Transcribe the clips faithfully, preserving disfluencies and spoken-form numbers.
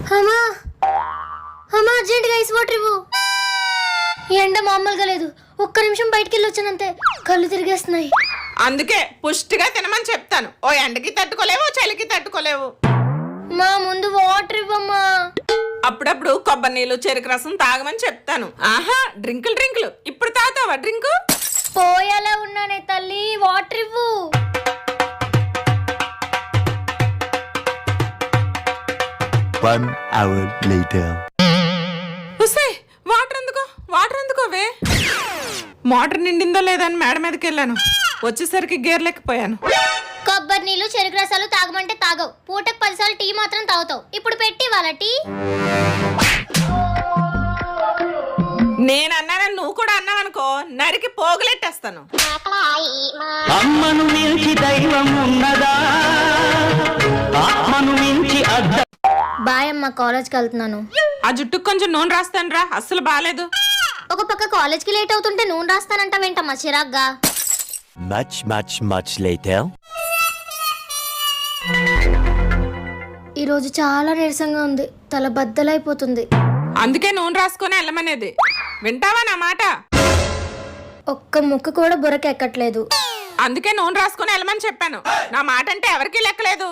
అమ్మా అమ్మా అర్జెంట్గా ఐస్ వాటర్ ఇవ్వు. ఎండ మామూలుగా లేదు. ఒక్క నిమిషం బయటికి వెళ్ళి వచ్చానంతే కళ్ళు తిరిగేస్తున్నాయి. అందుకే పుష్టిగా తినమని చెప్తాను. ఓ ఎండకి తట్టుకోలేవు, చలికి తట్టుకోలేవు. మా ముందు వాటర్ ఇవ్వమ్మా. అప్పుడప్పుడు కొబ్బరి నీళ్ళు, చెరుకు రసం తాగమని చెప్తాను. ఆహా, డ్రింకులు డ్రింకులు ఇప్పుడు తాగుతావా డ్రింకు? పోయేలా ఉన్నానే తల్లి, వాటర్ ఇవ్వు. One hour later. ఉసే, వాటర్ ఎందుకో వాటర్ ఎందుకోవే? మోటార్ నిండిందో లేదని మేడ మీదకి వెళ్ళాను. వచ్చేసరికి గేర్లెక్కిపోయాను. కొబ్బరి నీళ్ళు, చెరుకు రసాలు తాగమంటే తాగవు. పూటకు పదిసార్లు టీ మాత్రం తాగుతావు. ఇప్పుడు పెట్టి వాళ్ళ టీ. నేనన్నానని నువ్వు కూడా అన్నావనుకో, నరికి పోగులెట్టేస్తాను. అమ్మను మించి దైవం ఉన్నదా? ఆత్మను మించి అద్ద. బాయ్ అమ్మ, కాలేజ్కి వెళ్తున్నాను. ఆ జుట్టుకు కొంచెం నూనె రాస్తాను రా, అస్సలు బాలేదు. ఒక పక్క కాలేజ్కి లేట్ అవుతుంటే నూనె రాస్తానంటావేంటమ్మా చిరాగ్గా? Much, much, much later. ఈరోజు చాలా నీరసంగా ఉంది. తల బద్దలైపోతుంది. అందుకే నూనె రాసుకొని వెళ్ళమనేది. వింటావా నా మాట? ఒక్క ముక్క కూడా బుర్రకెక్కట్లేదు. అందుకే నూనె రాసుకొని వెళ్ళమని చెప్పాను. నా మాట అంటే ఎవరికీ లెక్కలేదు.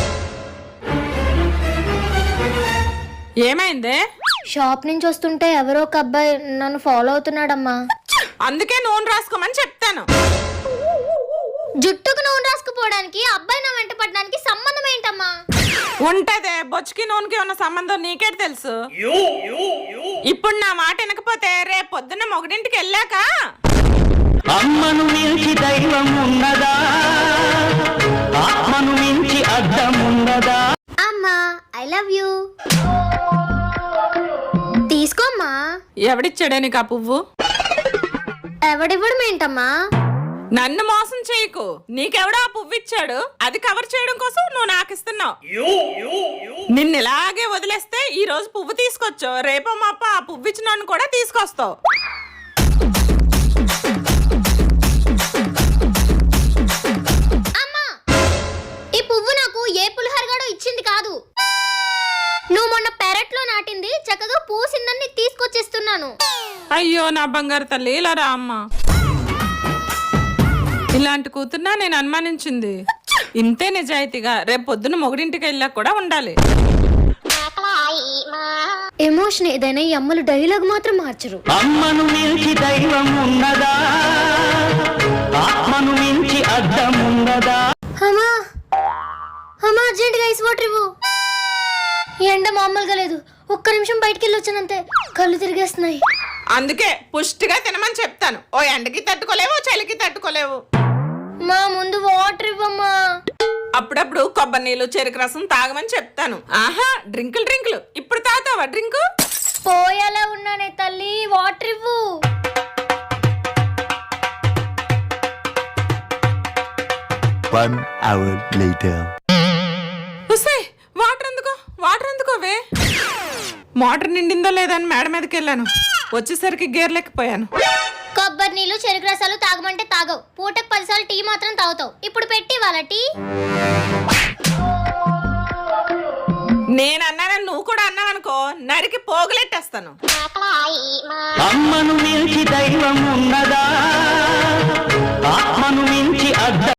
ఏమైందే? షాప్ నుంచి వస్తుంటే ఎవరో ఒక అబ్బాయి నన్ను ఫాలో అవుతున్నాడమ్మా. అందుకే నూనె రాసుకోమని చెప్తాను. జుట్టుకు నూనె రాసుకుపోవడానికి అబ్బాయి నా వెంట పడడానికి సంబంధం ఏంటమ్మా? ఉంటదే, బొచ్చుకి నూనెకి ఉన్న సంబంధం నీకే తెలుసు. ఇప్పుడు నా మాట వినకపోతే రేపు పొద్దున్న మొగడింటికి వెళ్ళాక అమ్మను మించి దైవం ఉన్నదా? ఆత్మను మించి అద్దం ఉన్నదా? అమ్మా, ఐ లవ్ యూ. తీసుకోమ్మా. ఎవడిచ్చాడే నీకు ఆ పువ్వు? ఎవడివ్వడం ఏంటమ్మా? నన్ను మోసం చేయకు. నీకెవడో ఆ పువ్వు ఇచ్చాడు, అది కవర్ చేయడం కోసం నువ్వు నాకు ఇస్తున్నావు. నిన్ను ఇలాగే వదిలేస్తే ఈ రోజు పువ్వు తీసుకొచ్చు, రేపో మాప ఆ పువ్వు ఇచ్చిన కూడా తీసుకొస్తావు. అమ్మా, ఈ పువ్వు నాకు ఏ పులిహోరగాడో ఇచ్చింది కాదు. నువ్వు మొన్న పెరట్లో నాటింది, చక్కగా పూసిందని తీసుకొచ్చేస్తున్నాను. అయ్యో నా బంగారు తల్లి, ఇలా రా అమ్మా. ఇలాంటి కూతుర్నా నేను అనుమానించింది. ఇంతే నిజాయితీగా రేపు పొద్దున మొగుడింటికి వెళ్ళాక కూడా ఉండాలి. ఎమోషన్ ఏదైనా ఈ అమ్మలు డైలాగ్ మాత్రం మార్చరు. అమ్మను మించి దైవం ఉన్నదా? ఆత్మను మించి అద్దం ఉన్నదా? అమ్మా అమ్మా అర్జెంట్గా ఐస్ వాటర్ ఇవ్వు. ఎండ మామూలుగా లేదు. ఒక్క నిమిషం బయటికి వెళ్ళి వచ్చానంతే కళ్ళు తిరిగేస్తున్నాయి. అందుకే పుష్టిగా తినమని చెప్తాను. ఓ ఎండకి తట్టుకోలేవు, చలికి తట్టుకోలేవు. మా ముందు వాటర్ ఇవ్వమ్మా. అప్పుడప్పుడు కొబ్బరి నీళ్ళు, చెరుకు రసం తాగమని చెప్తాను. ఆహా, డ్రింకులు డ్రింకులు ఇప్పుడు తాగుతావా డ్రింకు? పోయేలా ఉన్నానే తల్లి, వాటర్ ఇవ్వు. One hour later. ఉసే, వాటర్ ఎందుకో వాటర్ ఎందుకోవే? మోటార్ నిండిందో లేదని మేడ మీదకి వెళ్ళాను. వచ్చేసరికి గేర్లెక్కిపోయాను. కొబ్బరి నీళ్ళు, చెరుకు రసాలు తాగమంటే తాగవు. పూటకు పదిసార్లు టీ మాత్రం తాగుతావు. ఇప్పుడు పెట్టి వాళ్ళ టీ. నేనన్నానని నువ్వు కూడా అన్నావనుకో, నరికి పోగులెట్టేస్తాను. అమ్మను మించి దైవం ఉన్నదా?